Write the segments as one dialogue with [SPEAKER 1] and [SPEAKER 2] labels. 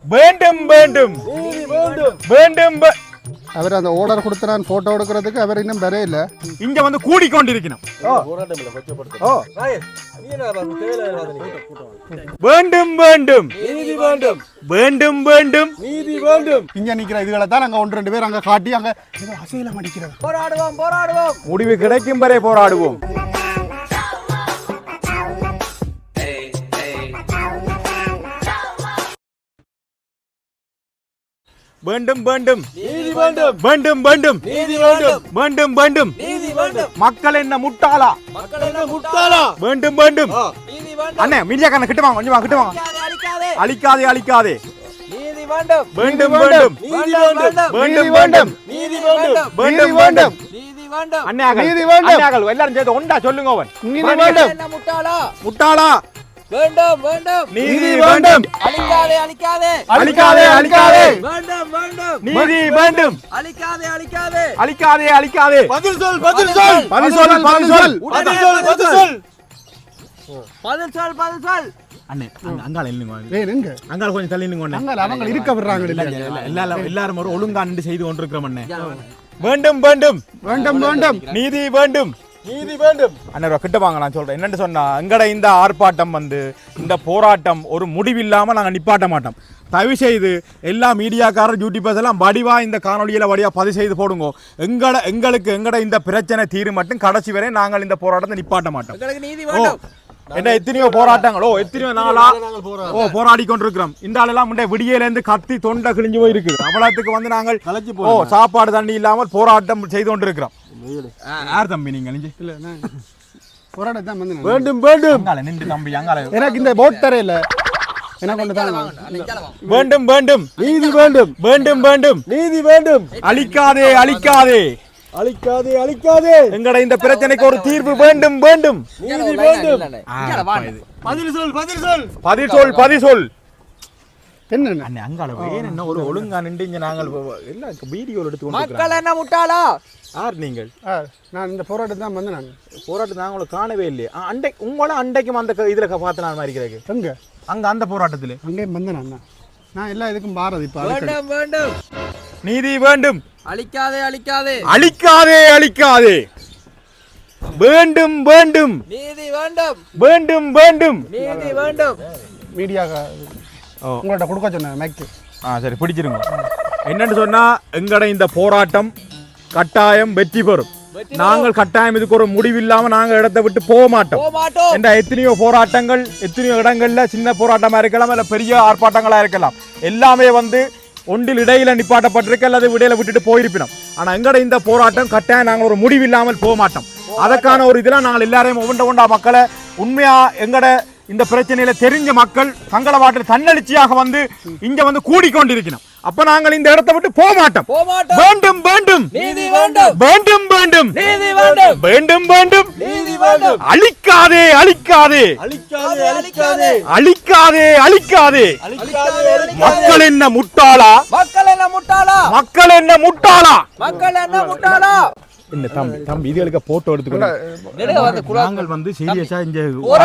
[SPEAKER 1] வேண்டும் வேண்டும் வேண்டும்
[SPEAKER 2] அவர் அந்த ஓர்டர் கொடுத்து நான் போட்டோ எடுக்கிறதுக்கு அவர் இன்னும் வரே இல்ல.
[SPEAKER 1] இங்க வந்து கூடிக்கொண்டிருக்கணும். வேண்டும் வேண்டும்
[SPEAKER 3] நீதி வேண்டும்
[SPEAKER 1] வேண்டும் வேண்டும்
[SPEAKER 3] நீதி வேண்டும்.
[SPEAKER 2] இங்க நிக்கிற இதுகளை தான் நாங்க 1-2 பேர் அங்க காட்டி அங்க அசையில மடிக்கிறது.
[SPEAKER 3] போராடுவோம் போராடுவோம்.
[SPEAKER 1] முடிவு கிடைக்கும் வரை போராடுவோம். வேண்டும் வேண்டும்
[SPEAKER 3] நீதி வேண்டும்
[SPEAKER 1] வேண்டும் வேண்டும்
[SPEAKER 3] நீதி வேண்டும்
[SPEAKER 1] வேண்டும் வேண்டும்
[SPEAKER 3] நீதி வேண்டும்.
[SPEAKER 1] மக்கள் என்ன முட்டாளா?
[SPEAKER 3] மக்கள் என்ன முட்டாளா?
[SPEAKER 1] வேண்டும் வேண்டும்
[SPEAKER 3] நீதி வேண்டும்.
[SPEAKER 1] அண்ணே மீடியாக்காரன கிட்ட வாங்க, கொஞ்சம் கிட்ட வாங்க.
[SPEAKER 3] அழிக்காதே
[SPEAKER 1] அழிக்காதே அழிக்காதே.
[SPEAKER 3] நீதி வேண்டும்
[SPEAKER 1] வேண்டும் வேண்டும்
[SPEAKER 3] நீதி வேண்டும்
[SPEAKER 1] வேண்டும் வேண்டும்
[SPEAKER 3] நீதி வேண்டும்
[SPEAKER 1] வேண்டும் வேண்டும்
[SPEAKER 3] நீதி வேண்டும்.
[SPEAKER 1] அண்ணாகள்
[SPEAKER 2] நீதி வேண்டும்.
[SPEAKER 1] அண்ணாகள் எல்லாரும் சேர்ந்து ஒண்டா சொல்லுங்க. அவன்
[SPEAKER 2] நீதி வேண்டும்.
[SPEAKER 3] என்ன முட்டாளா?
[SPEAKER 1] முட்டாளா?
[SPEAKER 3] வேண்டும் வேண்டும்
[SPEAKER 1] நீதி வேண்டும்.
[SPEAKER 3] அழிக்காதே அழிக்காதே
[SPEAKER 1] அழிக்காதே அழிக்காதே.
[SPEAKER 3] வேண்டும் வேண்டும்
[SPEAKER 1] நீதி வேண்டும்.
[SPEAKER 3] அழிக்காதே அழிக்காதே
[SPEAKER 1] அழிக்காதே அழிக்காதே.
[SPEAKER 3] பதில் சொல் பதில் சொல்
[SPEAKER 1] பதில் சொல் பதில் சொல்
[SPEAKER 3] பதில் சொல் பதில் சொல் பதில் சொல் பதில் சொல்.
[SPEAKER 1] அண்ணே அங்கால இல்லைங்க.
[SPEAKER 2] ஏய் எங்க
[SPEAKER 1] அங்கால கொஞ்சம் தள்ளி நிங்க.
[SPEAKER 2] அங்க அவங்க இருக்க விடுறாங்க இல்ல.
[SPEAKER 1] எல்லாரும் ஒரு ஒழுங்கா நின்று செய்து கொண்டிருக்கிறோம். அண்ணே வேண்டும் வேண்டும்
[SPEAKER 2] வேண்டும் வேண்டும்
[SPEAKER 1] நீதி வேண்டும்
[SPEAKER 3] நீதி வேண்டும்.
[SPEAKER 1] அண்ணா கிட்ட வாங்க, நான் சொல்றேன். என்னன்னு சொன்னா, எங்கட இந்த ஆர்ப்பாட்டம் வந்து இந்த போராட்டம் ஒரு முடிவில்லாம நாங்க நிப்பாட்ட மாட்டோம். தயவு செய்து எல்லா மீடியாக்காரர் யூடியூபர்ஸ் எல்லாம் வடிவா இந்த காணொலியில வடிவா பதிவு செய்து போடுங்க. எங்களுக்கு எங்கட இந்த பிரச்சனை தீரும் மட்டும் கடைசி வரை நாங்கள் இந்த போராட்டத்தை நிப்பாட்ட மாட்டோம்.
[SPEAKER 3] உங்களுக்கு நீதி வேண்டும்.
[SPEAKER 1] என்ன எத்தனையோ போராட்டங்களோ எத்தனையோ நாளா போராடி கொண்டிருக்கிறோம். இந்த ஆளெல்லாம் முன்னே விடியல இருந்து கத்தி தொண்டை கிழிஞ்சு போயிருக்கு. அவ்வளவுக்கு வந்து நாங்கள் சாப்பாடு தண்ணி இல்லாமல் போராட்டம் செய்து கொண்டிருக்கிறோம். யார் தம்பி நீங்க?
[SPEAKER 2] இல்ல நான் போராட தான் வந்து
[SPEAKER 3] வேண்டும் வேண்டும்
[SPEAKER 1] அங்கால நின்று தம்பி அங்கால
[SPEAKER 2] எனக்கு இந்த போட் தரையில என்ன கொண்டு தான்
[SPEAKER 1] வேண்டும் வேண்டும்
[SPEAKER 3] நீதி வேண்டும்
[SPEAKER 1] வேண்டும் வேண்டும்
[SPEAKER 3] நீதி வேண்டும்.
[SPEAKER 1] அழிக்காதே அழிக்காதே
[SPEAKER 3] அழிக்காதே அழிக்காதே.
[SPEAKER 1] எங்கட இந்த பிரச்சனைக்கு ஒரு தீர்வு வேண்டும் வேண்டும்.
[SPEAKER 3] நீதி வேண்டும்.
[SPEAKER 1] பதில் சொல் பதில் சொல் பதில் சொல் பதில் சொல்.
[SPEAKER 2] என்ன
[SPEAKER 1] அண்ணே அங்கால என்ன ஒரு ஒழுங்கா நின்று இங்க நாங்கள் எல்லாம் வீடியோ எடுத்து
[SPEAKER 3] மக்கள் என்ன முட்டாளா?
[SPEAKER 1] யார் நீங்கள்?
[SPEAKER 2] நான் இந்த போராட்டம் தான் வந்து நான்
[SPEAKER 1] போராட்டம் நாங்கள காணவே இல்லையே. அண்டை உங்கள அண்டைக்கும் அந்த இதுல பார்த்து நான் மாதிரி இருக்கிறேன்.
[SPEAKER 2] எங்க
[SPEAKER 1] அங்க அந்த போராட்டத்துல
[SPEAKER 2] அங்கேயும் வந்து நான் எல்லா இதுக்கும் பாரதி
[SPEAKER 3] வேண்டும் வேண்டும்
[SPEAKER 1] நீதி வேண்டும்.
[SPEAKER 3] அழிக்காதே அழிக்காதே
[SPEAKER 1] அழிக்காதே அழிக்காதே. வேண்டும் வேண்டும்
[SPEAKER 3] நீதி வேண்டும்
[SPEAKER 1] வேண்டும் வேண்டும்
[SPEAKER 3] நீதி வேண்டும்.
[SPEAKER 2] மீடியா உங்கள்ட்ட கொடுக்க சொன்னேன் மைக்கு.
[SPEAKER 1] சரி பிடிச்சிருங்க. என்னன்னு சொன்னா, எங்கட இந்த போராட்டம் கட்டாயம் வெற்றி பெறும். நாங்கள் கட்டாயம் இதுக்கு ஒரு முடிவில்லாம நாங்க இடத்தை விட்டு போக மாட்டோம். என்ற எத்தனையோ போராட்டங்கள் எத்தனையோ இடங்கள்ல சின்ன போராட்டமா இருக்கலாம், இல்ல பெரிய ஆர்ப்பாட்டங்களா இருக்கலாம். எல்லாமே வந்து ஒன்றில் இடையில நிப்பாட்டப்பட்டிருக்கு அல்லது இடையில விட்டுட்டு போயிருப்பினோம். ஆனா எங்கட இந்த போராட்டம் கட்டாயம் நாங்கள் ஒரு முடிவில்லாமல் போக மாட்டோம். அதற்கான ஒரு இதெல்லாம் நாங்கள் எல்லாரையும் ஒவ்வொன்றா மக்களை உண்மையா எங்கட இந்த பிரச்சனையில தெரிஞ்ச மக்கள் தங்களவாட்டில் தன்னெழுச்சியாக வந்து இங்க வந்து கூடிக்கொண்டிருக்கணும். அப்ப நாங்கள் இந்த இடத்தை விட்டு போக மாட்டோம். வேண்டும் வேண்டும்
[SPEAKER 3] நீதி வேண்டும்
[SPEAKER 1] வேண்டும் வேண்டும்
[SPEAKER 3] நீதி வேண்டும்
[SPEAKER 1] வேண்டும் வேண்டும்
[SPEAKER 3] நீதி வேண்டும்.
[SPEAKER 1] அழிக்காதே அழிக்காதே
[SPEAKER 3] அழிக்காதே அழிக்காதே
[SPEAKER 1] அழிக்காதே அழிக்காதே. மக்கள் என்ன முட்டாளா?
[SPEAKER 3] மக்கள் என்ன முட்டாளா?
[SPEAKER 1] மக்கள் என்ன முட்டாளா?
[SPEAKER 3] மக்கள் என்ன முட்டாளா?
[SPEAKER 1] இந்த தம்பி இதுகளுக்கு போட்டோ எடுத்துக்கணும். நாங்கள் வந்து சீரியஸா இங்க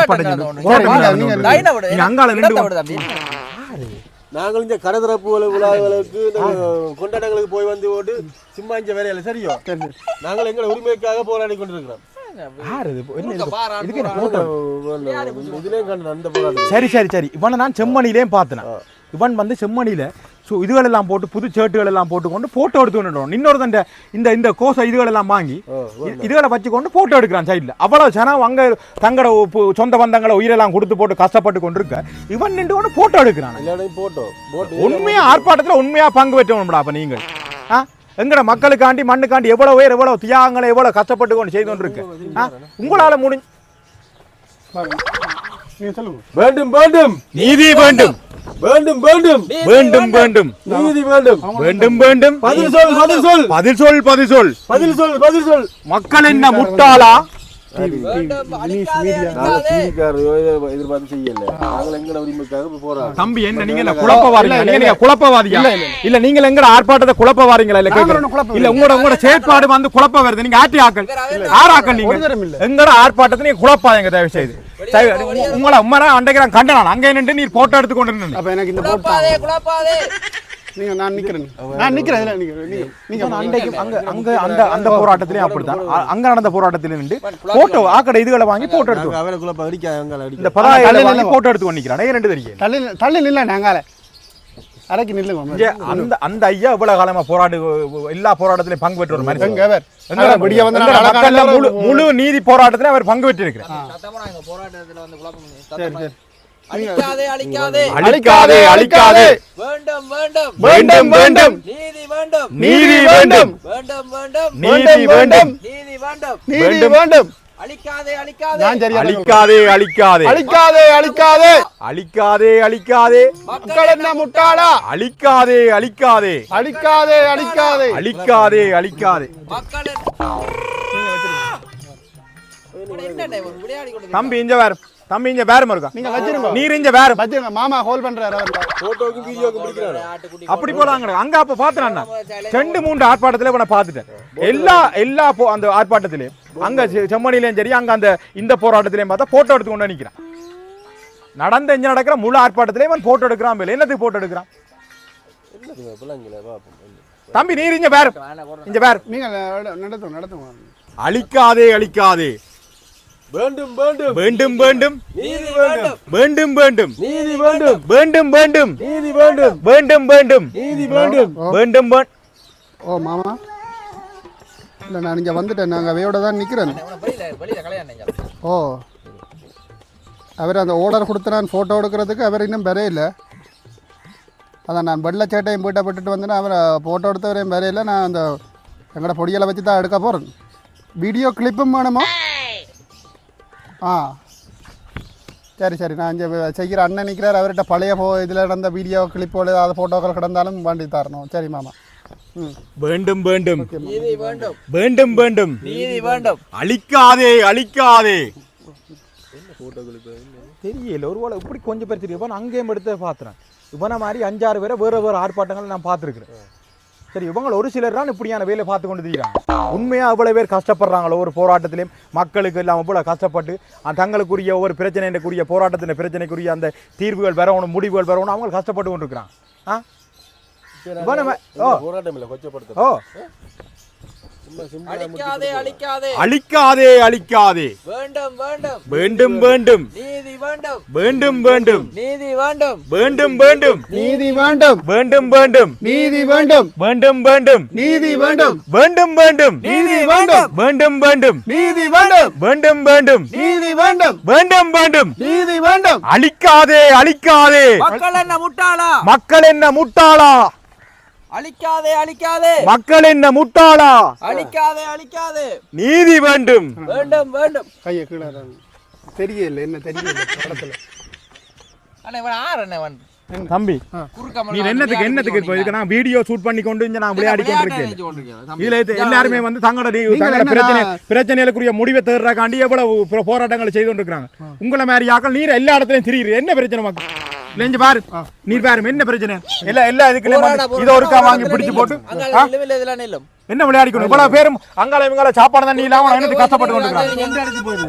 [SPEAKER 3] நாங்கள் இந்த கடற்கரை விழாக்களுக்கு கொண்டாட்டங்களுக்கு போய் வந்து ஓட்டு சும்மா இங்க வேலையில சரியோ. நாங்கள் எங்களை உரிமைக்காக போராடி கொண்டிருக்கிறோம்.
[SPEAKER 1] சரி சரி சரி. இவனை நான் செம்மணிலே பார்த்தேன். இவன் வந்து செம்மணியில இதுகளெல்லாம் போட்டு புது ஷர்ட்டுகள் எல்லாம் போட்டுக்கொண்டு போட்டோ எடுத்து கொண்டு இன்னொரு இந்த இந்த கோசை இதுகளெல்லாம் வாங்கி இதுகளை வச்சுக்கொண்டு போட்டோ எடுக்கிறான் சைட்ல. அவ்வளவு ஜனம் அங்க தங்களோட சொந்த பந்தங்களை உயிரெல்லாம் கொடுத்து போட்டு கஷ்டப்பட்டு கொண்டு இருக்க இவன் நின்று கொண்டு போட்டோ எடுக்கிறான். உண்மையா ஆர்ப்பாட்டத்துல உண்மையா பங்கு பெற்றவனும்டா. அப்ப நீங்கள் எங்கட மக்களுக்காண்டி மண்ணுக்காண்டி எவ்வளவு பேர் எவ்வளவு தியாகங்களை எவ்வளவு கஷ்டப்பட்டு கொண்டு செய்து கொண்டு இருக்க உங்களால முடிஞ்சு
[SPEAKER 3] வேண்டும் வேண்டும்
[SPEAKER 1] நீதி வேண்டும்
[SPEAKER 3] வேண்டும் வேண்டும்
[SPEAKER 1] வேண்டும் வேண்டும்
[SPEAKER 3] நீதி வேண்டும்
[SPEAKER 1] வேண்டும் வேண்டும்.
[SPEAKER 3] பதில் சொல் பதில் சொல்
[SPEAKER 1] பதில் சொல் பதில் சொல்
[SPEAKER 3] பதில் சொல் பதில் சொல்.
[SPEAKER 1] மக்கள் என்ன முட்டாளா? தம்பி என்ன நீங்க குழப்பவாதியா? இல்ல நீங்க எங்கட ஆர்ப்பாட்டத்தை குழப்பவாரீங்களா? இல்ல உங்களோட செயற்பாடு வந்து குழப்ப வருது. நீங்க ஆட்டி ஆக்கள் ஆறாக்கள் நீங்க எங்கட ஆர்ப்பாட்டத்தை நீங்க குழப்பாதீங்க தயவு செய்து. உங்களை உம்மரா அண்டைக்கு நான் கண்டனான் அங்கே நின்று நீர் போட்டோ எடுத்து கொண்டு நின்று
[SPEAKER 2] அப்ப எனக்கு இந்த நீங்க நான் நிக்கிறேன் நீங்க
[SPEAKER 1] அண்டைக்கு அங்க அந்த போராட்டத்திலயும் அப்படித்தான் அங்க நடந்த போராட்டத்தில நின்று போட்டோ ஆக்கடை இதுகளை வாங்கி போட்டோ எடுத்து
[SPEAKER 3] அவருக்குள்ள அடிக்காங்க
[SPEAKER 1] இந்த பதாகைகளை வாங்கி போட்டோ எடுத்து கொண்டிருக்கிறான் ரெண்டு தெரியும்
[SPEAKER 2] தள்ளி நில்ல நாங்கால அரைக்கு நில்லுங்க
[SPEAKER 1] அந்த அந்த ஐயா இவ்வளவு காலமா போராடு எல்லா போராட்டத்திலையும் பங்கு பெற்ற ஒரு மாதிரி முழு நீதி போராட்டத்தில அவர் பங்கு பெற்று இருக்கிறார்.
[SPEAKER 4] அழிக்காதே அழிக்காதே
[SPEAKER 1] அழிக்காதே அழிக்காதே
[SPEAKER 4] வேண்டும் வேண்டும்
[SPEAKER 1] வேண்டும் வேண்டும்
[SPEAKER 4] நீதி வேண்டும்
[SPEAKER 1] நீதி வேண்டும்
[SPEAKER 4] வேண்டும் வேண்டும்
[SPEAKER 1] நீதி வேண்டும்
[SPEAKER 4] நீதி வேண்டும்
[SPEAKER 2] நீதி வேண்டும்
[SPEAKER 4] அழிக்காதே அழிக்காதே
[SPEAKER 2] நான் சரியா
[SPEAKER 1] அழிக்காதே அழிக்காதே
[SPEAKER 2] அழிக்காதே அழிக்காதே
[SPEAKER 1] அழிக்காதே அழிக்காதே
[SPEAKER 2] மக்கள் என்ன முட்டாளா
[SPEAKER 1] அழிக்காதே அழிக்காதே
[SPEAKER 2] அழிக்காதே அழிக்காதே
[SPEAKER 1] அழிக்காதே அழிக்காதே
[SPEAKER 4] மக்கள் என்ன விளையாடி கொண்டு
[SPEAKER 1] தம்பி இங்க வேற தம்பி இங்க வேற இருக்கா
[SPEAKER 2] நீங்க வச்சிருங்க
[SPEAKER 1] நீர் இங்க வேற
[SPEAKER 2] வச்சிருங்க மாமா ஹோல் பண்றாரு அவர்
[SPEAKER 3] போட்டோக்கு வீடியோக்கு பிடிக்கிறாரு
[SPEAKER 1] அப்படி போலாங்க அங்க அப்ப பாத்துறான் ரெண்டு மூன்று ஆர்ப்பாட்டத்துல நான் பாத்துட்டேன் எல்லா அந்த ஆர்ப்பாட்டத்திலயும் அங்க செம்மணிலையும் சரி அங்க அந்த இந்த போராட்டத்திலையும் பார்த்தா போட்டோ எடுத்து கொண்டு நிக்கிறான் நடந்த இங்க நடக்கிற முழு ஆர்ப்பாட்டத்திலையும் அவன் போட்டோ எடுக்கிறான் என்னத்துக்கு போட்டோ எடுக்கிறான் தம்பி நீர் இங்க வேற
[SPEAKER 2] நீங்க நடத்துங்க
[SPEAKER 1] அழிக்காதே அழிக்காதே
[SPEAKER 3] வேண்டும் வேண்டும்
[SPEAKER 1] வேண்டும் வேண்டும்
[SPEAKER 3] நீதி வேண்டும்
[SPEAKER 1] வேண்டும் வேண்டும்
[SPEAKER 3] நீதி வேண்டும்
[SPEAKER 1] வேண்டும் வேண்டும்
[SPEAKER 3] நீதி வேண்டும்
[SPEAKER 1] வேண்டும் வேண்டும்
[SPEAKER 3] நீதி வேண்டும்
[SPEAKER 1] வேண்டும்
[SPEAKER 2] ஓ மாமா இல்லை நான் இங்கே வந்துட்டேன் நாங்கள் அவையோட தான் நிற்கிறேன் ஓ அவர் அந்த ஓர்டர் கொடுத்து நான் ஃபோட்டோ எடுக்கிறதுக்கு அவர் இன்னும் வரையில்லை அதான் நான் வெள்ளை சேட்டையும் போய்ட்டா விட்டுட்டு வந்தேன்னா அவரை ஃபோட்டோ எடுத்தவரையும் வரையில்லை நான் அந்த எங்களோட பொடியலை வச்சு தான் எடுக்க போகிறேன் வீடியோ கிளிப்பும் வேணுமா ஆ சரி சரி நான் இங்கே செய்கிற அண்ணன் நிற்கிறார் அவர்கிட்ட பழைய இதில் நடந்த வீடியோ கிளிப்போடு ஏதாவது ஃபோட்டோக்கள் கிடந்தாலும் வாண்டி தரணும் சரி மாமா
[SPEAKER 1] வேண்டும் வேண்டும்
[SPEAKER 4] நீதி வேண்டும்
[SPEAKER 1] வேண்டும் வேண்டும்
[SPEAKER 4] நீதி வேண்டும்
[SPEAKER 1] அழிக்காதே அழிக்காதே தெரியல ஒருவேளை இப்படி கொஞ்சம் பேர் தெரியும் அங்கேயும் எடுத்து பார்த்துறேன் இவனை மாதிரி 5-6 பேரை வேறு ஆர்ப்பாட்டங்கள் நான் பார்த்துருக்குறேன் சரி இவங்க ஒரு சிலர் தான் இப்படியான வேலை பார்த்து கொண்டு தெரியுறாங்க உண்மையாக அவ்வளோ பேர் கஷ்டப்படுறாங்களோ ஒரு போராட்டத்திலையும் மக்களுக்கு இல்லாமல் இவ்வளோ கஷ்டப்பட்டு தங்களுக்குரிய ஒவ்வொரு பிரச்சனைக்குரிய போராட்டத்தின் பிரச்சனைக்குரிய அந்த தீர்வுகள் வரணும் முடிவுகள் வரணும் அவங்க கஷ்டப்பட்டு கொண்டு இருக்கிறாங்க ஓ
[SPEAKER 4] அழிக்காதே அழிக்காதே
[SPEAKER 1] அழிக்காதே அழிக்காதே
[SPEAKER 4] வேண்டும் வேண்டும்
[SPEAKER 1] வேண்டும் வேண்டும்
[SPEAKER 4] நீதி வேண்டும்
[SPEAKER 1] வேண்டும் வேண்டும்
[SPEAKER 4] நீதி வேண்டும்
[SPEAKER 1] வேண்டும் வேண்டும்
[SPEAKER 2] நீதி வேண்டும்
[SPEAKER 1] வேண்டும் வேண்டும்
[SPEAKER 2] நீதி வேண்டும்
[SPEAKER 1] வேண்டும் வேண்டும்
[SPEAKER 2] நீதி வேண்டும்
[SPEAKER 1] வேண்டும் வேண்டும்
[SPEAKER 2] நீதி வேண்டும்
[SPEAKER 1] வேண்டும் வேண்டும்
[SPEAKER 2] நீதி வேண்டும்
[SPEAKER 1] வேண்டும் வேண்டும்
[SPEAKER 2] நீதி வேண்டும்
[SPEAKER 1] வேண்டும் வேண்டும்
[SPEAKER 2] நீதி வேண்டும்
[SPEAKER 1] அழிக்காதே அழிக்காதே
[SPEAKER 4] மக்கள் என்ன முட்டாளா
[SPEAKER 1] மக்கள் என்ன முட்டாளா
[SPEAKER 4] அழிக்காதே அழிக்காதே
[SPEAKER 1] மக்கள் என்ன முட்டாளா
[SPEAKER 4] அழிக்காதே அழிக்காதே
[SPEAKER 1] நீதி வேண்டும்
[SPEAKER 4] வேண்டும் வேண்டும்
[SPEAKER 2] கையை கீழே தெரியல என்ன தெரியல படத்துல
[SPEAKER 4] அண்ணே இவன் ஆறு அண்ணே இவன்
[SPEAKER 1] தம்பி நீ என்னத்துக்கு இப்போ இதுக்கு நான் வீடியோ ஷூட் பண்ணி கொண்டு இங்க நான் விளையாடி கொண்டிருக்கேன் இதுல எல்லாருமே வந்து தங்களோட பிரச்சனைகளுக்குரிய முடிவை தேடுறக்காண்டி எவ்வளவு போராட்டங்களை செய்து கொண்டிருக்காங்க உங்களை மாதிரி ஆக்கள் நீர் எல்லா இடத்துலயும் திரியுது என்ன பிரச்சனை மக்கள் நெஞ்சு பாரு நீர் பாரு என்ன பிரச்சனை எல்லா இதுக்குள்ள இதை ஒருக்கா வாங்கி பிடிச்சு போட்டு என்ன விளையாடிக்கணும் இவ்வளவு பேரும் அங்கால இவங்கால சாப்பாடு தண்ணி இல்லாம என்னது கஷ்டப்பட்டு கொண்டிருக்காங்க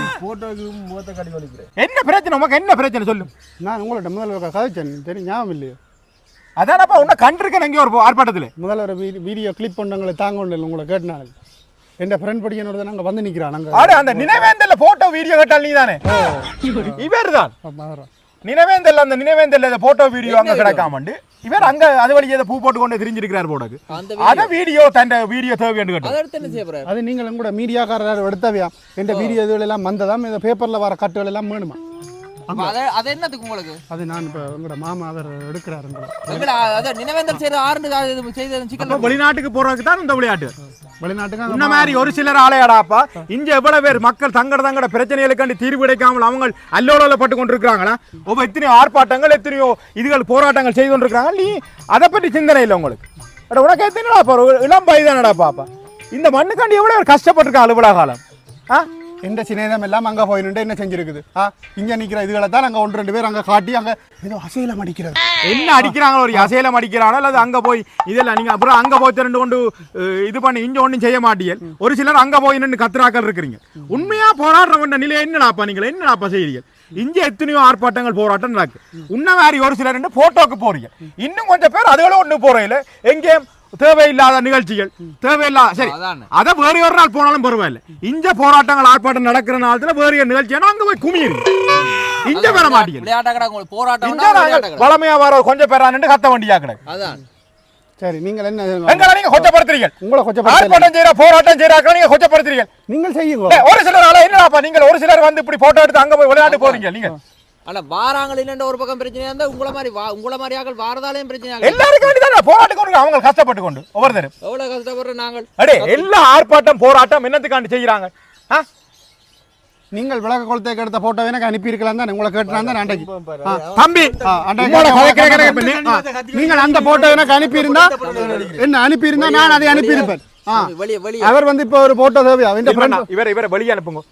[SPEAKER 1] என்ன பிரச்சனை உமக்கு என்ன பிரச்சனை சொல்லு
[SPEAKER 2] நான் உங்கள்ட்ட முதல்ல கதைச்சேன் தெரியும் ஞாபகம் இல்லையோ
[SPEAKER 1] அதானப்பா உன்னை கண்டிருக்கேன் எங்கேயோ ஒரு ஆர்ப்பாட்டத்தில்
[SPEAKER 2] முதல்ல ஒரு வீடியோ கிளிப் பண்ணவங்களை தாங்க ஒன்று உங்களை கேட்டனால என் ஃப்ரெண்ட் படிக்கனோட நாங்கள் வந்து நிற்கிறான் நாங்கள்
[SPEAKER 1] அந்த நினைவேந்தல்ல போட்டோ வீடியோ கேட்டால் நீ தானே இவர் தான் நினைவேந்தல்ல அந்த நினைவேந்தல்ல போட்டோ வீடியோ அங்க கிடக்காமண்டு இவர் அங்க அது வழியே பூ போட்டு கொண்டு திரிஞ்சிருக்கிறார் போடாது அத வீடியோ தண்ட வீடியோ தேவைன்னு கேட்டு
[SPEAKER 2] அது நீங்கள் கூட மீடியாக்காரர் எடுத்தவையா எந்த வீடியோ இதுல எல்லாம் வந்ததாம் இந்த பேப்பர்ல வர கட்டுகள் எல்லாம் வேணுமா
[SPEAKER 4] அது என்னத்துக்கு உங்களுக்கு
[SPEAKER 2] அது நான் இப்ப உங்களோட மாமா அவர் எடுக்கிறாரு
[SPEAKER 4] நினைவேந்தல் செய்யற ஆறு செய்த
[SPEAKER 1] வெளிநாட்டுக்கு போறதுக்கு தான் இந்த விளையாட்டு
[SPEAKER 2] வெளிநாட்டுக்கு
[SPEAKER 1] இந்த மாதிரி ஒரு சிலர் ஆலையாடாப்பா இங்க எவ்வளவு பேர் மக்கள் தங்கட பிரச்சனைகளுக்காண்டி தீர்வு கிடைக்காமல் அவங்க அல்லோலப்பட்டு கொண்டிருக்கிறாங்களா எத்தனையோ ஆர்ப்பாட்டங்கள் எத்தனையோ இதுகள் போராட்டங்கள் செய்து கொண்டிருக்கிறாங்க நீ அதை பற்றி சிந்தனை இல்லை உங்களுக்கு உனக்கு எத்தனைடாப்பா இளம் வயதானடா பாப்பா இந்த மண்ணுக்காண்டி எவ்வளவு கஷ்டப்பட்டிருக்கா அலுவலக காலம்
[SPEAKER 2] எந்த சின்னம் எல்லாம் அங்கே போயிட்டு என்ன செஞ்சிருக்குது இங்கே நிற்கிற இதுகளை தான் அங்கே 1-2 பேர் அங்கே காட்டி அங்கே ஏதோ அசைலம் அடிக்கிறது
[SPEAKER 1] என்ன அடிக்கிறாங்க ஒரு அசைலம் அடிக்கிறானோ அல்லது அங்கே போய் இதெல்லாம் நீங்கள் அப்புறம் அங்கே போய் திரண்டு கொண்டு இது பண்ணி இங்கே ஒன்றும் செய்ய மாட்டீங்க ஒரு சிலர் அங்கே போய் நின்று கத்துறாக்கள் இருக்கிறீங்க உண்மையாக போராடுற நிலையை என்னடாப்பா நீங்கள் என்னடாப்பா செய்கிறீங்க இங்கே எத்தனையோ ஆர்ப்பாட்டங்கள் போராட்டம் நடக்கு உன்ன மாதிரி ஒரு சிலர் போட்டோக்கு போறீங்க இன்னும் கொஞ்சம் பேர் அதுகளும் ஒன்று போறீங்க எங்கேயும் தேவையில்லாத நிகழ்ச்சிகள் தேவையில்லாத சரி அதை வேறு ஒரு நாள் போனாலும் பரவாயில்ல இங்க போராட்டங்கள் ஆர்ப்பாட்டம் நடக்கிற நாளத்துல வேறு நிகழ்ச்சியா அங்க போய் குமியிருங்க இங்க வர மாட்டீங்க போராட்டம் வளமையா வர கொஞ்சம் பேரான்னு கத்த வண்டியா கிடக்கு
[SPEAKER 2] சரி நீங்கள் என்ன
[SPEAKER 1] எங்களை நீங்க கொச்சப்படுத்துறீங்க
[SPEAKER 2] உங்களை
[SPEAKER 1] ஆர்ப்பாட்டம் செய்யற போராட்டம் செய்யறாங்க நீங்க கொச்சப்படுத்துறீங்க
[SPEAKER 2] நீங்கள் செய்யுங்க
[SPEAKER 1] ஒரு சிலர் என்னப்பா நீங்க ஒரு சிலர் வந்து இப்படி போட்டோ எடுத்து அங்க போய் விளையாட்டு போறீங்க நீங்க
[SPEAKER 4] ஆனா வாராங்கள் இல்லன்ற ஒரு பக்கம் பிரச்சனையா இருந்தா உங்கள மாதிரி ஆட்கள் வாரதாலையும் பிரச்சனை
[SPEAKER 1] எல்லாருக்கும் தான் போராட்டம் கொண்டு அவங்க கஷ்டப்பட்டு கொண்டு ஒவ்வொருத்தரும்
[SPEAKER 4] எவ்வளவு கஷ்டப்படுற நாங்கள்
[SPEAKER 1] அடே எல்லா ஆர்ப்பாட்டம் போராட்டம் என்னத்துக்காண்டி செய்யறாங்க
[SPEAKER 2] நீங்கள் விளக்க குளத்தை எடுத்த போட்டோ எனக்கு அனுப்பி இருக்கலாம் தான் உங்களை கேட்டுலாம் தான் அன்றைக்கு
[SPEAKER 1] தம்பி
[SPEAKER 2] நீங்கள் அந்த போட்டோ எனக்கு அனுப்பி இருந்தா என்ன அனுப்பி இருந்தா நான் அதை அனுப்பி இருப்பேன் அவர் வந்து இப்போ ஒரு போட்டோ தேவையா
[SPEAKER 1] இவரை வெளியே அனுப்புங்க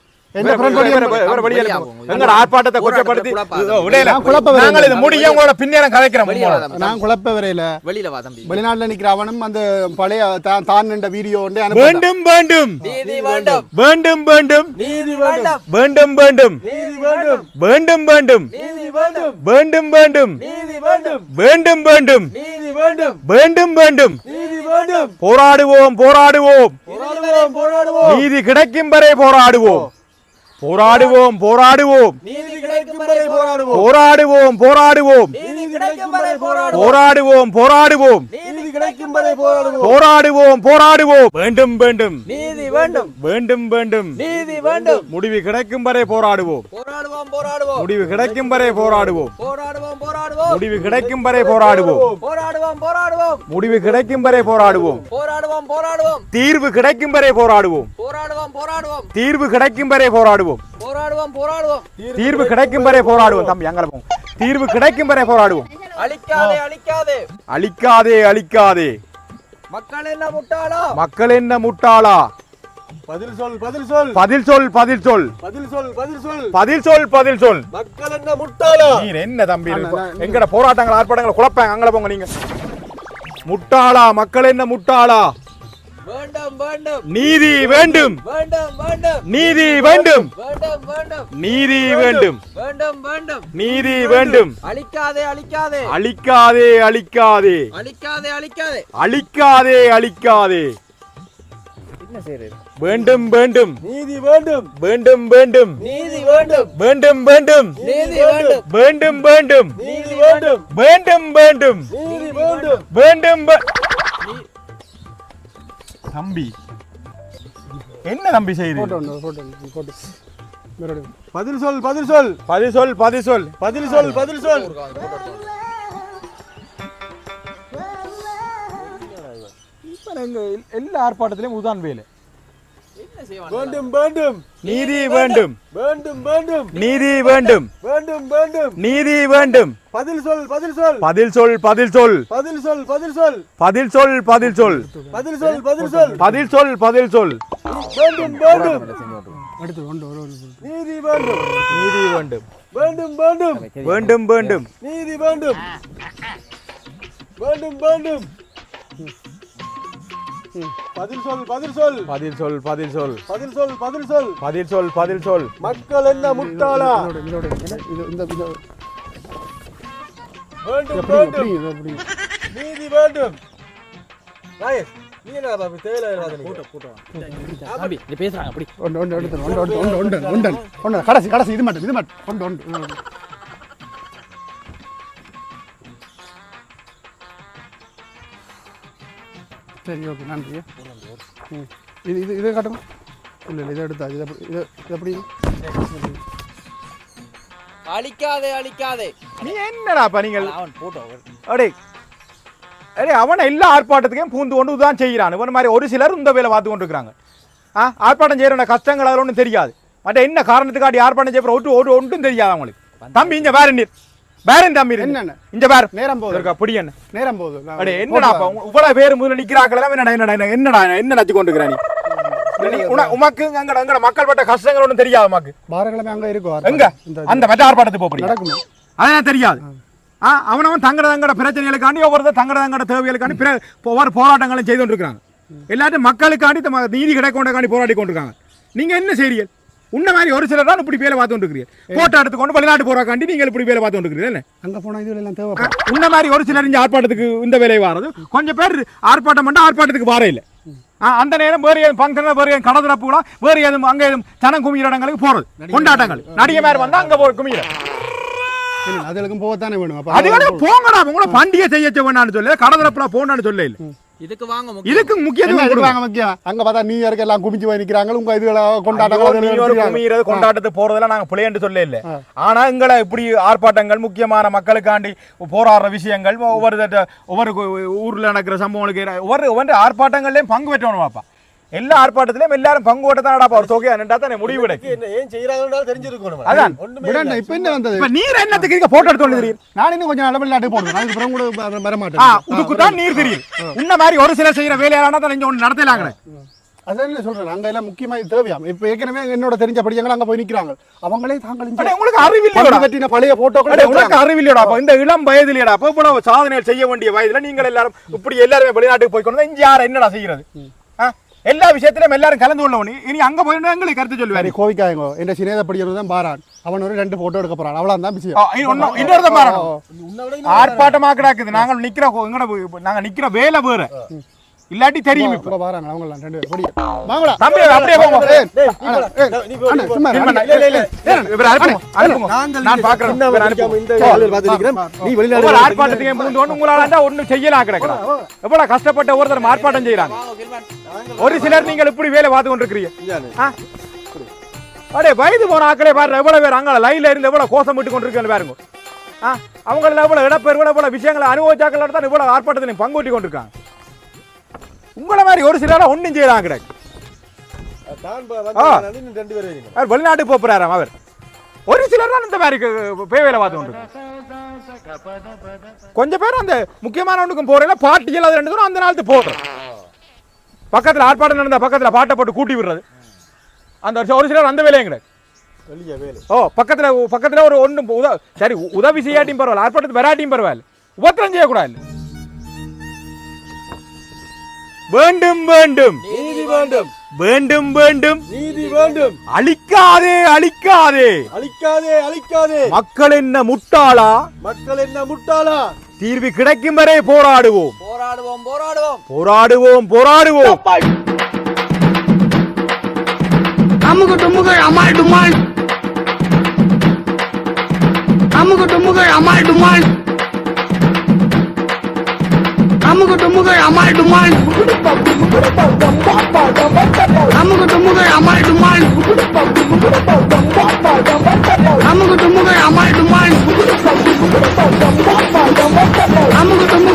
[SPEAKER 1] ஆர்ப்பாட்டத்தை கொச்சப்படுத்தி உங்களோட பின்னேறம் கதைக்கிறோம்
[SPEAKER 2] நான் குழப்ப வரையில வெளிநாட்டுல நிக்கிற அவனும் அந்த பழைய தான் நின்ற வீடியோ
[SPEAKER 1] வேண்டும் வேண்டும் வேண்டும் வேண்டும் வேண்டும் வேண்டும் வேண்டும் வேண்டும் வேண்டும் வேண்டும் வேண்டும் வேண்டும் வேண்டும் வேண்டும் போராடுவோம் போராடுவோம் நீதி கிடைக்கும் வரை போராடுவோம் போராடுவோம் போராடுவோம் போராடுவோம் போராடுவோம் போராடுவோம் போராடுவோம் போராடுவோம் போராடுவோம் வேண்டும் வேண்டும் வேண்டும் வேண்டும் முடிவு கிடைக்கும் வரை போராடுவோம் முடிவு கிடைக்கும் வரை போராடுவோம் முடிவு கிடைக்கும் வரை போராடுவோம் முடிவு கிடைக்கும் வரை போராடுவோம் தீர்வு கிடைக்கும் வரை போராடுவோம் தீர்வு கிடைக்கும் வரை போராடுவோம் தீர்வு கிடைக்கும் வரை போராடுவோம் தம்பி அங்க போவோம் தீர்வு கிடைக்கும் வரை போராடுவோம்
[SPEAKER 4] அழிக்காதே அழிக்காதே
[SPEAKER 1] அழிக்காதே அழிக்காதே
[SPEAKER 4] மக்கள் என்ன முட்டாளா
[SPEAKER 1] மக்கள் என்ன முட்டாளா
[SPEAKER 3] பதில் சொல் பதில் சொல்
[SPEAKER 1] பதில் சொல் பதில் சொல்
[SPEAKER 3] பதில் சொல் பதில் சொல்
[SPEAKER 1] பதில் சொல் பதில் சொல்
[SPEAKER 3] மக்கள் என்ன முட்டாளா
[SPEAKER 1] நீ என்ன தம்பி எங்கட போராட்டங்கள் ஆர்ப்பாட்டங்கள் குழப்பாங்க அங்க போங்க நீங்க முட்டாளா மக்கள் என்ன முட்டாளா
[SPEAKER 4] வேண்டும் வேண்டும்
[SPEAKER 1] நீதி வேண்டும்
[SPEAKER 4] வேண்டும் வேண்டும்
[SPEAKER 1] நீதி வேண்டும்
[SPEAKER 4] வேண்டும் வேண்டும்
[SPEAKER 1] நீதி வேண்டும்
[SPEAKER 4] வேண்டும் வேண்டும்
[SPEAKER 1] நீதி வேண்டும்
[SPEAKER 4] அழிக்காதே அழிக்காதே
[SPEAKER 1] அழிக்காதே அழிக்காதே
[SPEAKER 4] அழிக்காதே அழிக்காதே
[SPEAKER 1] அழிக்காதே அழிக்காதே
[SPEAKER 4] என்ன செய்யறது
[SPEAKER 1] வேண்டும் வேண்டும்
[SPEAKER 3] நீதி வேண்டும்
[SPEAKER 1] வேண்டும் வேண்டும்
[SPEAKER 4] நீதி வேண்டும்
[SPEAKER 1] வேண்டும் வேண்டும்
[SPEAKER 4] நீதி வேண்டும்
[SPEAKER 1] வேண்டும் வேண்டும்
[SPEAKER 3] நீதி வேண்டும்
[SPEAKER 1] வேண்டும் வேண்டும்
[SPEAKER 3] நீதி வேண்டும்
[SPEAKER 1] வேண்டும் தம்பி என்ன தம்பி செய்யுது
[SPEAKER 3] பதில் சொல் பதில் சொல்
[SPEAKER 1] பதில் சொல் பதில் சொல்
[SPEAKER 3] பதில் சொல் பதில் சொல்
[SPEAKER 1] எல்லா ஆர்ப்பாட்டத்திலும் உதான் வேலை
[SPEAKER 3] வேண்டும் வேண்டும்
[SPEAKER 1] நீதி வேண்டும்
[SPEAKER 3] வேண்டும் வேண்டும்
[SPEAKER 1] நீதி வேண்டும்
[SPEAKER 3] வேண்டும் வேண்டும்
[SPEAKER 1] நீதி வேண்டும்
[SPEAKER 3] பதில் சொல் பதில் சொல்
[SPEAKER 1] பதில் சொல் பதில் சொல்
[SPEAKER 3] பதில் சொல் பதில் சொல்
[SPEAKER 1] பதில் சொல் பதில் சொல்
[SPEAKER 3] பதில் சொல் பதில் சொல்
[SPEAKER 1] பதில் சொல் பதில் சொல்
[SPEAKER 3] வேண்டும் வேண்டும்
[SPEAKER 2] அடுத்து
[SPEAKER 3] நீதி வேண்டும்
[SPEAKER 1] நீதி வேண்டும்
[SPEAKER 3] வேண்டும் வேண்டும்
[SPEAKER 1] வேண்டும் வேண்டும்
[SPEAKER 3] நீதி வேண்டும் வேண்டும் வேண்டும் பதில் சொல் பதில் சொல்
[SPEAKER 1] பதில் சொல் பதில் சொல்
[SPEAKER 3] பதில் சொல் பதில் சொல்
[SPEAKER 1] பதில் சொல் பதில் சொல்
[SPEAKER 3] மக்கள் என்ன முட்டாளா வேண்டும் வேண்டும் நீதி வேண்டும் ராயஸ் நீ என்ன பாபி தேவையில்லாத போட்டோ
[SPEAKER 4] தம்பி நீ பேசுறாங்க அப்படி
[SPEAKER 2] கடைசி கடைசி இது மட்டும் சரி ஓகே நன்றி இது காட்டுங்க இல்லை இதை எடுத்தா இது எப்படி
[SPEAKER 4] அழிக்காதே அழிக்காதே
[SPEAKER 1] நீ என்னடாப்பா நீங்கள்
[SPEAKER 4] அவன் போட்டோ
[SPEAKER 1] அடே அடே அவனை எல்லா ஆர்ப்பாட்டத்துக்கும் பூந்து கொண்டு தான் செய்கிறான் இவன் மாதிரி ஒரு சிலர் இந்த வேலை பார்த்து கொண்டு இருக்கிறாங்க ஆர்ப்பாட்டம் செய்யற கஷ்டங்கள் அதில் ஒன்றும் தெரியாது மற்ற என்ன காரணத்துக்காட்டி ஆர்ப்பாட்டம் செய்ய ஒன்றும் தெரியாது அவங்களுக்கு தம்பி இங்க வேற நீர் வேற தம்பி
[SPEAKER 2] என்ன
[SPEAKER 1] இங்க வேற
[SPEAKER 2] நேரம் போகுது
[SPEAKER 1] அப்படி என்ன
[SPEAKER 2] நேரம் போகுது
[SPEAKER 1] அடே என்னடாப்பா இவ்வளவு பேர் முதல்ல நிக்கிறாக்கள் என்னடா என்னடா என்னடா என்ன நச்சு கொண்டு இருக்கிறான் உமக்கு எங்கட மக்கள் பட்ட கஷ்டங்கள் ஒன்றும் தெரியாது உமக்கு.
[SPEAKER 2] வாரக்கிழமை அங்கே இருக்கும்
[SPEAKER 1] எங்க அந்த மற்ற ஆர்ப்பாட்டத்துக்கு போறீங்க
[SPEAKER 2] நடக்குமா?
[SPEAKER 1] அதான் தெரியாது. அவனவன் தங்கட பிரச்சனைகளுக்காண்டி ஒவ்வொருத்தர் தங்கட தேவைகளுக்காண்டி ஒவ்வொரு போராட்டங்களும் செய்து கொண்டிருக்காங்க. எல்லாத்தையும் மக்களுக்காண்டி நீதி கிடைக்கொண்டக்காண்டி போராடி கொண்டிருக்காங்க. நீங்க என்ன செய்றீங்க? உன்ன மாதிரி ஒரு சிலர் தான் இப்படி வேலை பார்த்து கொண்டிருக்கிறீங்க. போட்டோ எடுத்துக்கொண்டு வெளிநாட்டு போறாக்காண்டி நீங்கள் இப்படி வேலை பார்த்து கொண்டிருக்கிறீங்க.
[SPEAKER 2] அங்கே போனால் இது எல்லாம் தேவை.
[SPEAKER 1] உன்ன மாதிரி ஒரு சிலர் இந்த ஆர்ப்பாட்டத்துக்கு இந்த வேலை வாரது, கொஞ்சம் பேர் ஆர்ப்பாட்டம் பண்ணா ஆர்ப்பாட்டத்துக்கு வார இல்லை. அந்த நேரம் வேறு ஏதும் ஃபங்க்ஷன், வேறு ஏதும் கடற்கரை, வேறு ஏதும் அங்கே ஏதும் ஜனம் குமிகிற இடங்களுக்கு போறது, கொண்டாட்டங்கள் நடிகை மாதிரி வந்தா அங்க குமிகிற
[SPEAKER 2] அதுக்கும் போகத்தானே வேணும்.
[SPEAKER 1] அது போங்கடா, உங்களை பண்டிகை செய்ய வேணான்னு சொல்ல, கடற்கரை போனான்னு சொல்ல இல்லை.
[SPEAKER 4] இதுக்கு வாங்க
[SPEAKER 1] இதுக்கு முக்கியத்துவம்
[SPEAKER 2] கொடுவாங்க. முக்கியம் அங்க பார்த்தா நீ யாருக்கு எல்லாம் குமிச்சு போய் நிக்கிறாங்க. உங்க இதுல
[SPEAKER 1] கொண்டாட்டத்துக்கு போறதெல்லாம் நாங்க பிள்ளைன்னு சொல்ல இல்லை. ஆனா எங்களை இப்படி ஆர்ப்பாட்டங்கள், முக்கியமான மக்களுக்காண்டி போராடுற விஷயங்கள், ஒவ்வொரு ஊர்ல நடக்கிற சம்பவங்களுக்கு ஒவ்வொரு ஆர்ப்பாட்டங்கள்லயும் பங்கு பெற்றணும் பாப்பா. எல்லா ஆர்ப்பாட்டத்திலயும் எல்லாரும் பங்கு ஓட்டத்தானடா ஒரு தொகையா நின்றா தான் முடிவு
[SPEAKER 3] ஏன் செய்யறாங்கன்னு தெரிஞ்சிருக்கணும்.
[SPEAKER 1] அதான்
[SPEAKER 2] இப்ப என்ன வந்தது?
[SPEAKER 1] நீர் என்னத்துக்கு போட்டோ எடுத்து தெரியும்.
[SPEAKER 2] நான் இன்னும் கொஞ்சம் நடவடிக்கை போடுவேன். அதுக்கு பிறகு கூட வர மாட்டேன்.
[SPEAKER 1] இதுக்கு தான் நீர் தெரியும். உன்ன மாதிரி ஒரு சில செய்யற வேலையானா தான் இங்க ஒன்று நடத்தலாங்க.
[SPEAKER 2] அதான் சொல்றேன். அங்க எல்லாம் முக்கியமா தேவையாம். இப்ப ஏற்கனவே என்னோட தெரிஞ்ச படியங்கள் அங்க போய் நிக்கிறாங்க. அவங்களே தாங்கள்
[SPEAKER 1] உங்களுக்கு அறிவில்லையோட
[SPEAKER 2] பற்றின பழைய போட்டோக்கள்
[SPEAKER 1] உங்களுக்கு அறிவில்லையோட. அப்ப இந்த இளம் வயதிலேடா அப்ப இவ்வளவு சாதனை செய்ய வேண்டிய வயதுல நீங்கள் எல்லாரும் இப்படி எல்லாருமே வெளிநாட்டுக்கு போய் கொண்டு இங்க யார் என்னடா செய்யறது? எல்லா விஷயத்திலும் எல்லாரும் கலந்து கொள்ளவனி. இனி அங்க போயிட்டு எங்களுக்கு கருத்து சொல்லுவாரு.
[SPEAKER 2] கோவிக்காயங்கோ என் சினேத படிக்கிறது தான் பாரான். அவன் ஒரு 2 போட்டோ எடுக்க போறான். அவ்வளவுதான் விஷயம்.
[SPEAKER 1] ஆர்ப்பாட்டமா கிடக்குது. நாங்கள் நிக்கிற வேலை வேற இல்லாட்டி தெரியும்.
[SPEAKER 2] இப்ப பாராங்க அவங்க எல்லாம் 2 பேர். வாங்கடா
[SPEAKER 1] தம்பி அப்படியே போங்க. நான் பாக்குறேன்.
[SPEAKER 3] நீ வெளிநாடு
[SPEAKER 1] ஆர்ப்பாட்டத்துக்கு மூந்து உங்களால ஒன்னும் செய்யலாம் கிடக்குறா. எவ்வளவு கஷ்டப்பட்ட ஒருத்தர் ஆர்ப்பாட்டம் செய்யறாங்க. ஒரு சிலர் நீங்கள் இப்படி வேலை பார்த்து கொண்டிருக்கிறீங்க. அடே வயது போன ஆக்களே பாரு, எவ்வளவு பேர் அங்க லைன்ல இருந்து எவ்வளவு கோஷம் விட்டு கொண்டிருக்கேன் பாருங்க. அவங்க எவ்வளவு இடப்பெயர், எவ்வளவு விஷயங்களை அனுபவிச்சாக்கள் தான் இவ்வளவு ஆர்ப்பாட்டத்தில் பங்குட்டி கொண்டிருக்காங்க. உங்களை மாதிரி ஒரு சிலர் ஒன்னும் செய்யலாம் கிடக்கு. வெளிநாட்டுக்கு போறாராம் அவர். ஒரு சிலர் தான் இந்த மாதிரி வேலை பார்த்து கொண்டு கொஞ்சம் பேர் அந்த முக்கியமான ஒன்றுக்கும் போறேன் பாட்டிகள் அது 2 தூரம் அந்த நாளுக்கு போடுறோம். பக்கத்தில் ஆர்ப்பாட்டம் நடந்த பக்கத்தில் பாட்டை போட்டு கூட்டி விடுறது அந்த ஒரு சிலர் அந்த வேலையும் கிடையாது. பக்கத்தில் ஒரு ஒன்று சரி உதவி செய்யாட்டியும் பரவாயில்ல, ஆர்ப்பாட்டத்துக்கு வராட்டியும் பரவாயில்ல, உபத்திரம் செய்யக்கூடாது. வேண்டும் வேண்டும்
[SPEAKER 3] நீதி வேண்டும்,
[SPEAKER 1] வேண்டும் வேண்டும்
[SPEAKER 3] நீதி வேண்டும்,
[SPEAKER 1] அழிக்காதே அழிக்காதே
[SPEAKER 3] அழிக்காதே அழிக்காதே.
[SPEAKER 1] மக்கள் என்ன முட்டாளா,
[SPEAKER 3] மக்கள் என்ன முட்டாளா?
[SPEAKER 1] தீர்வு கிடைக்கும் வரை போராடுவோம்
[SPEAKER 4] போராடுவோம் போராடுவோம்
[SPEAKER 1] போராடுவோம் போராடுவோம்.
[SPEAKER 5] அமுகு டுமுகள் அமால் டுமால், அமுகு டுமுகள் அமால் டுமால், அமுகு டுமுகள் அமால் டுமால், அமுகு டுமுகள் அமால் டுமால், அமுகு டுமுகள் அமால் டுமால், அமுகு டுமுகள்